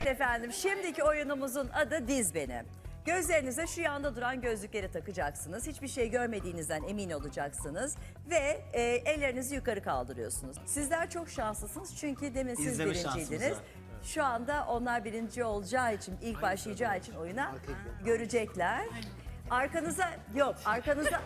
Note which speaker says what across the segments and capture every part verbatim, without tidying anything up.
Speaker 1: efendim, şimdiki oyunumuzun adı Diz Beni. Gözlerinize şu yanda duran gözlükleri takacaksınız. Hiçbir şey görmediğinizden emin olacaksınız. Ve e, ellerinizi yukarı kaldırıyorsunuz. Sizler çok şanslısınız çünkü demin siz
Speaker 2: İzleme
Speaker 1: birinciydiniz.
Speaker 2: şansımız var.
Speaker 1: Şu anda onlar birinci olacağı için, ilk başlayacağı için oyuna görecekler. Arkanıza, yok arkanıza...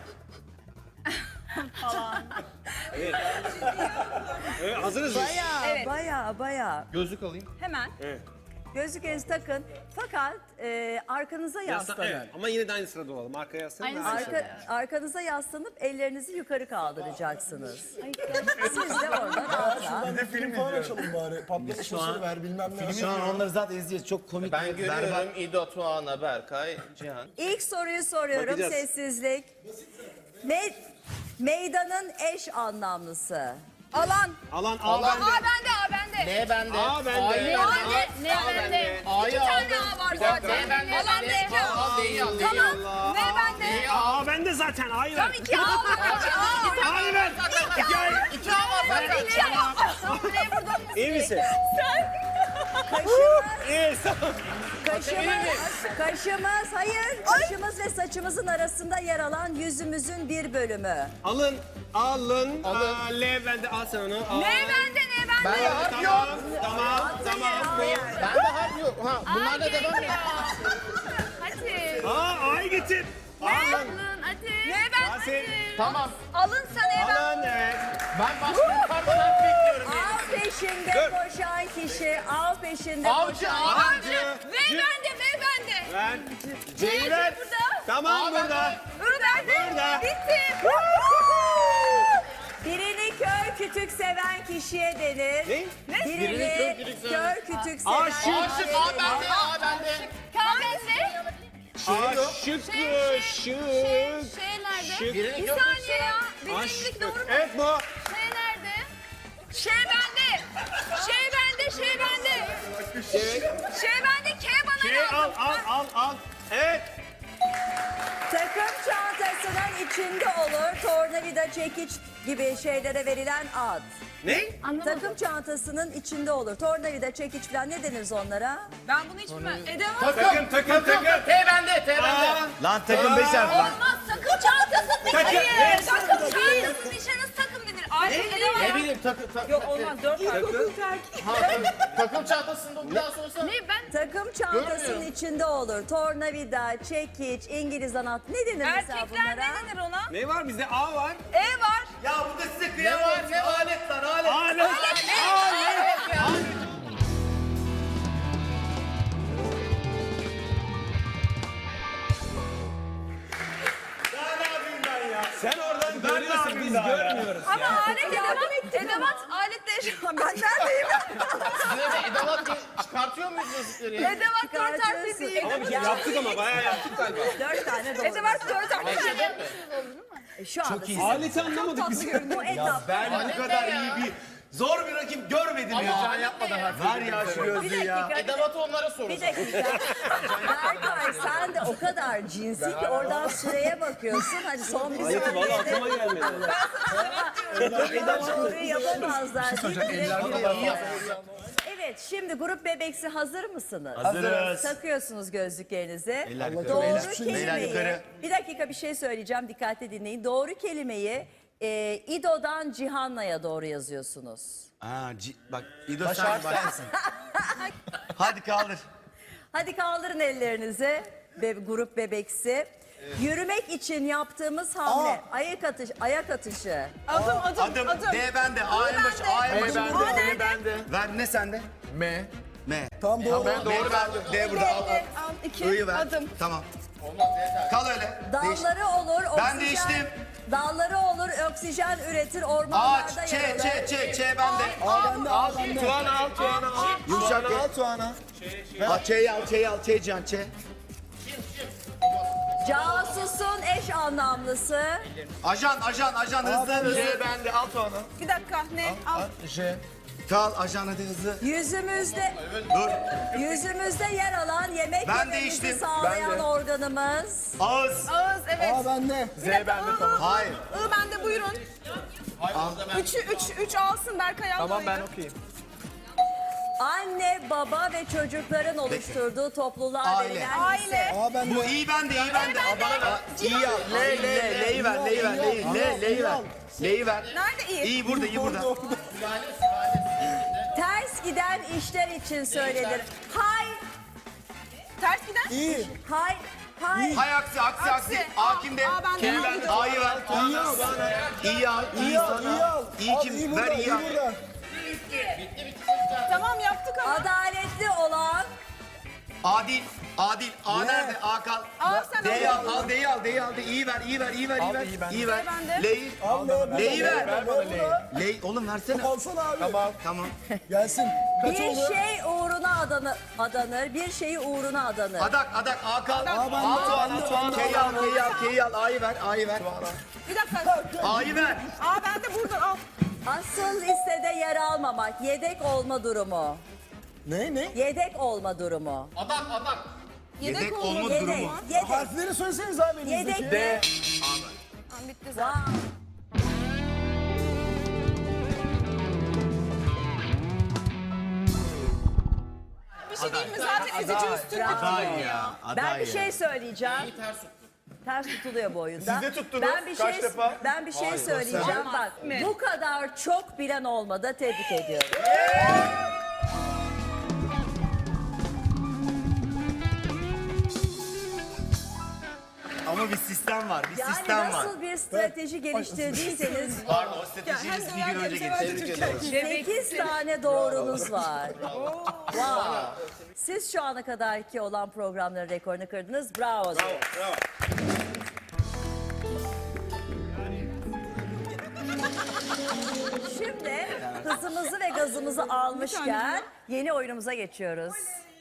Speaker 3: Evet, hazırız biz.
Speaker 1: Bayağı,
Speaker 4: Evet.
Speaker 1: bayağı, bayağı.
Speaker 3: Gözlük alayım.
Speaker 4: Hemen.
Speaker 3: Evet.
Speaker 1: Gözlüklerinizi takın. Fakat e, arkanıza
Speaker 3: Yaslan,
Speaker 1: yaslanın.
Speaker 3: evet. Ama yine de aynı sırada olalım. Arkaya yaslanın.
Speaker 4: Aynı
Speaker 3: ve aynı
Speaker 4: sırada.
Speaker 3: sırada.
Speaker 1: Arka, arkanıza yaslanıp ellerinizi yukarı kaldıracaksınız. Siz de orada rahat rahat.
Speaker 5: Bir de film falan açalım bari. Patlamış
Speaker 2: şu an-
Speaker 5: mısır ver bilmem ne.
Speaker 2: Şu an onları zaten izleyeceğiz. Çok komik.
Speaker 6: Ben
Speaker 2: berbat.
Speaker 6: görüyorum İdo, Tuana, Berkay, Cihan.
Speaker 1: İlk soruyu soruyorum.
Speaker 3: Bakacağız.
Speaker 1: Sessizlik. Me- meydanın eş anlamlısı.
Speaker 4: Alan.
Speaker 3: Alan A
Speaker 4: A
Speaker 3: bende.
Speaker 4: bende, A bende.
Speaker 6: Ne bende?
Speaker 3: A bende.
Speaker 6: A'yı
Speaker 3: A
Speaker 6: bende.
Speaker 4: Ne bende?
Speaker 6: A'yı
Speaker 4: İki tane
Speaker 6: aldım.
Speaker 4: A var
Speaker 6: Bir dakika.
Speaker 4: zaten.
Speaker 6: Ne bende?
Speaker 4: Alan
Speaker 6: Ne?
Speaker 4: D.
Speaker 6: Aa, D'yi al, D'yi al.
Speaker 4: Tamam. Ne bende?
Speaker 3: A bende zaten. A'yı ver.
Speaker 4: Tam iki A var. İki A var.
Speaker 3: A'yı ver. İki A'yı.
Speaker 4: İki A var zaten. İki A var. Buraya buradan nasıl
Speaker 3: İyi misin?
Speaker 1: Kaşımız,
Speaker 3: İyi, sağ ol.
Speaker 1: kaşımız, kaşımız, hayır. Kaşımız ve saçımızın arasında yer alan yüzümüzün bir bölümü.
Speaker 3: Alın. Alın.
Speaker 6: Alın.
Speaker 3: Aa, L bende. Al sen onu. Al.
Speaker 4: Ne bende, ne bende?
Speaker 6: Ben de harf yok.
Speaker 3: Tamam. Tamam. Tamam.
Speaker 6: Ben de harf yok. Ha, bunlarla
Speaker 4: Ay,
Speaker 6: devam et.
Speaker 4: gerekiyor. Hadi.
Speaker 3: Aa, A'yı getir. Alın.
Speaker 4: Alın, hadi. Ne ben?
Speaker 3: Yasin.
Speaker 6: Tamam.
Speaker 4: Alın sana ben.
Speaker 3: Alın. Evet.
Speaker 6: Ben başka yukarıdan harf bekliyorum.
Speaker 1: Av peşinde
Speaker 3: Dur.
Speaker 1: koşan kişi, av peşinde
Speaker 6: Avcı,
Speaker 1: koşan...
Speaker 6: avcı.
Speaker 4: V bende, V bende.
Speaker 3: Ver. C'yi ver.
Speaker 4: burada.
Speaker 3: Tamam
Speaker 6: Aa,
Speaker 3: burada.
Speaker 4: I bende.
Speaker 3: Burada.
Speaker 4: Bitti.
Speaker 1: Birini kör kütük seven kişiye denir.
Speaker 3: Ne?
Speaker 1: Birini,
Speaker 6: Birini kör kütük seven.
Speaker 1: kör kütük seven
Speaker 3: Aşık.
Speaker 1: kişiye
Speaker 6: Aşık
Speaker 1: denir.
Speaker 6: A bende, A bende.
Speaker 4: K bende.
Speaker 3: Aşık.
Speaker 4: Şey,
Speaker 3: Şık.
Speaker 4: şey nerede?
Speaker 3: Şık.
Speaker 6: Birini
Speaker 4: Bir
Speaker 6: kör
Speaker 4: saniye ya. Benim
Speaker 3: Aşık.
Speaker 4: elimdeki doğru mu?
Speaker 3: Evet bu.
Speaker 4: Şey nerede? Şey bende. Şey bende, şey bende. Şey bende, K bana
Speaker 3: Şey al
Speaker 4: lazım.
Speaker 3: al al al. Evet.
Speaker 1: Takım çantasının içinde olur tornavida, çekiç gibi şeylere verilen ad.
Speaker 3: Ne?
Speaker 1: Takım çantasının içinde olur. Tornavida, çekiç falan ne deniriz onlara?
Speaker 4: Ben bunu hiç bilmem. Edemem.
Speaker 3: Takım takım takım.
Speaker 6: T bende, T bende.
Speaker 3: Aa,
Speaker 2: Lan takım beş harf lan.
Speaker 4: Olmaz. Takım çantasının
Speaker 3: Takım.
Speaker 4: Hayır. Takım çantasının içine nasıl takım denir? Ayrıca edemem.
Speaker 6: Ne bileyim takım takım. Yok olmaz. Takım çantasında bir daha sorsana.
Speaker 4: Ne ben?
Speaker 1: Takım çantasının
Speaker 6: Görmüyorum.
Speaker 1: içinde olur. Tornavida, çekiç, İngiliz anahtar. Ne denir mesela
Speaker 4: Erkekler
Speaker 1: bunlara?
Speaker 4: ne denir ona?
Speaker 3: ne var bizde? A var.
Speaker 4: E var.
Speaker 2: Ya burada size
Speaker 6: Ne
Speaker 2: kıyamam.
Speaker 6: var ne alet lan alet.
Speaker 3: Alet. Alet. Sen oradan görüyorsun biz görmüyoruz.
Speaker 4: Ama alet edevat. Edevat aletle yaşamam. Ben neredeyim?
Speaker 6: Size de edavat diye çıkartıyor muyuz gözlükleri?
Speaker 4: Edevat dört harfli
Speaker 1: Çıkartıyorsun.
Speaker 4: değil.
Speaker 3: Ama biz yaptık ama bayağı yaptık galiba.
Speaker 1: Dört tane doğru.
Speaker 4: Edevat dört harfli.
Speaker 1: E, Şu anda siz
Speaker 3: Aleti anlamadık biz.
Speaker 1: bu etapta
Speaker 2: Ben bu kadar iyi bir zor bir rakip görmedim ya.
Speaker 6: Can yapmadan harf.
Speaker 2: Ver ya şu
Speaker 1: bir
Speaker 2: gözlüğü ya.
Speaker 1: dakika.
Speaker 6: Edavatı onlara sorun.
Speaker 1: Bir dakika. Berkay sen de o kadar cinsi ki oradan süreye bakıyorsun. Hadi son bir
Speaker 3: Aleti valla
Speaker 1: saniyede
Speaker 3: aklıma gelmedi.
Speaker 1: bu soruyu yapamazlar. Değil mi? Direkt giriyor. Evet, şimdi grup bebeksi hazır mısınız?
Speaker 2: Hazırız.
Speaker 1: Takıyorsunuz gözlüklerinizi.
Speaker 2: Eller yukarı.
Speaker 1: Doğru
Speaker 2: Beyler yukarı.
Speaker 1: kelimeyi, bir dakika bir şey söyleyeceğim, dikkatli dinleyin. Doğru kelimeyi e, İdo'dan Cihanna'ya doğru yazıyorsunuz.
Speaker 2: Aa, ci- bak İdo sen başlasın. Hadi kaldır.
Speaker 1: Hadi kaldırın ellerinizi, be, grup bebeksi. Yürümek için yaptığımız hamle, ayak atış, ayak atışı.
Speaker 4: Adım adım
Speaker 2: Adım
Speaker 4: adım.
Speaker 2: D bende. A en başı. A en başı.
Speaker 4: A nerede?
Speaker 2: Ver ne sende?
Speaker 6: M.
Speaker 2: M.
Speaker 5: Tamam doğru.
Speaker 2: Ben doğru verdim. D burada al. al.
Speaker 4: Al iki
Speaker 2: I'yı ver.
Speaker 4: adım.
Speaker 2: Tamam. Kal öyle. Değiş.
Speaker 1: Dalları olur, oksijen.
Speaker 2: Ben değiştim.
Speaker 1: Dalları olur, oksijen üretir, ormanlarda
Speaker 2: Ağaç. Ç,
Speaker 1: yer alır.
Speaker 2: Ç, Ç, Ç bende.
Speaker 5: A bende A bende.
Speaker 3: Tuana al Tuana al.
Speaker 2: Yumuşak
Speaker 5: Al
Speaker 2: Ç.
Speaker 5: Tuana.
Speaker 2: Ha Ç'yi al, Ç'yi al, Ç can, Ç.
Speaker 1: Casusun eş anlamlısı.
Speaker 2: Ajan, ajan, ajan hızlı hızlı.
Speaker 6: bende al Tuana.
Speaker 4: Bir dakika ne? Al.
Speaker 5: J.
Speaker 2: Kal ajan hadi hızlı.
Speaker 1: Yüzümüzde
Speaker 2: Dur.
Speaker 1: yüzümüzde yer alan yemek
Speaker 2: Ben
Speaker 1: yememizi
Speaker 2: değiştim.
Speaker 1: sağlayan
Speaker 2: Ben de.
Speaker 1: organımız.
Speaker 2: Ağız.
Speaker 4: Ağız evet.
Speaker 5: A bende.
Speaker 4: Z bende tamam.
Speaker 2: Hayır.
Speaker 4: I bende buyurun. Üçü üç üç alsın Berkay al. Tamam ben okuyayım.
Speaker 1: Anne, baba ve çocukların oluşturduğu topluluğa
Speaker 2: Aile.
Speaker 1: verilen
Speaker 4: Aile.
Speaker 1: lise.
Speaker 5: Aa ben
Speaker 2: Bu
Speaker 5: de.
Speaker 2: iyi bende, iyi bende.
Speaker 6: Aa, bana ver. İyi al.
Speaker 2: L, L, L'yi ver, L'yi ver, L'yi, L'yi, L, L'yi ver. L'yi ver.
Speaker 4: Nerede iyi?
Speaker 2: İyi burada, iyi burada.
Speaker 5: Orada, orada.
Speaker 1: Ters giden işler için söylenir. Hay,
Speaker 4: Ters giden.
Speaker 5: İyi.
Speaker 1: hay, hay.
Speaker 2: Hay aksi, aksi, aksi.
Speaker 4: Aksi.
Speaker 2: A kimde?
Speaker 4: Aa, ben de
Speaker 2: K
Speaker 4: aldım.
Speaker 2: bende. A'yı ver.
Speaker 5: İyi al.
Speaker 2: İyi al, iyi
Speaker 5: İyi al. İyi
Speaker 2: sana.
Speaker 5: al.
Speaker 2: İyi
Speaker 5: Al,
Speaker 2: kim?
Speaker 5: iyi burada,
Speaker 2: Ver iyi
Speaker 5: iyi
Speaker 2: al.
Speaker 5: burada.
Speaker 4: Tamam yaptık ama.
Speaker 1: Adaletli olan
Speaker 2: Adil, adil. A
Speaker 5: Ne?
Speaker 2: nerede? A kal.
Speaker 4: Al sen
Speaker 2: D'yi
Speaker 4: al.
Speaker 2: al, al D'yi al, D'yi al. İyi ver, iyi ver, iyi ver, iyi ver. İyi ver.
Speaker 4: L bende.
Speaker 2: L'yi.
Speaker 5: Al ne?
Speaker 2: L'yi ver.
Speaker 5: Ver bana L'yi.
Speaker 2: L'yi, oğlum versene.
Speaker 5: Alsana abi. Tamam.
Speaker 2: Tamam.
Speaker 5: Gelsin. Kaç
Speaker 1: bir
Speaker 5: oldu?
Speaker 1: şey uğruna adanır, adanır, bir şeyi uğruna adanır.
Speaker 2: Adak, adak. A kal.
Speaker 5: Aa ben de.
Speaker 2: A
Speaker 5: Ben de.
Speaker 2: Tuğan, K'yi al, K'yi al, K'yi al. A'yı ver, A'yı ver.
Speaker 4: Bir dakika.
Speaker 2: A'yı ver.
Speaker 4: Aa ben de buradan al.
Speaker 1: Asıl listede yer almamak, yedek olma durumu.
Speaker 5: Ne ne?
Speaker 1: Yedek olma durumu.
Speaker 6: Adak adak.
Speaker 2: Yedek
Speaker 4: olma
Speaker 2: olma
Speaker 1: Yedek,
Speaker 2: durumu.
Speaker 1: yedek,
Speaker 5: Harfleri söyleseniz abi elinizdeki.
Speaker 1: yedek.
Speaker 4: Tamam bitti zaten.
Speaker 1: Wow.
Speaker 4: Bir şey değil mi? Zaten ezici üstünlük.
Speaker 2: Aday ya. Aday
Speaker 1: Ben bir
Speaker 2: ya.
Speaker 1: şey söyleyeceğim.
Speaker 6: Ters tuttu.
Speaker 1: Ters tutuluyor bu oyunda.
Speaker 3: Siz de tuttunuz.
Speaker 1: Ben bir
Speaker 3: Kaç
Speaker 1: şey,
Speaker 3: defa?
Speaker 1: Ben bir şey söyleyeceğim. Bak bu kadar çok bilen olmadı. Tebrik ediyorum.
Speaker 2: Ama bir sistem var, bir
Speaker 1: Yani
Speaker 2: sistem var.
Speaker 1: nasıl bir strateji geliştirdiyseniz
Speaker 2: Pardon, o stratejiyi biz bir gün önce getirdik.
Speaker 1: sekiz tane doğrunuz var. Wow. Siz şu ana kadarki olan programların rekorunu kırdınız. Bravo. diyorum. Şimdi hızımızı ve gazımızı almışken yeni oyunumuza geçiyoruz.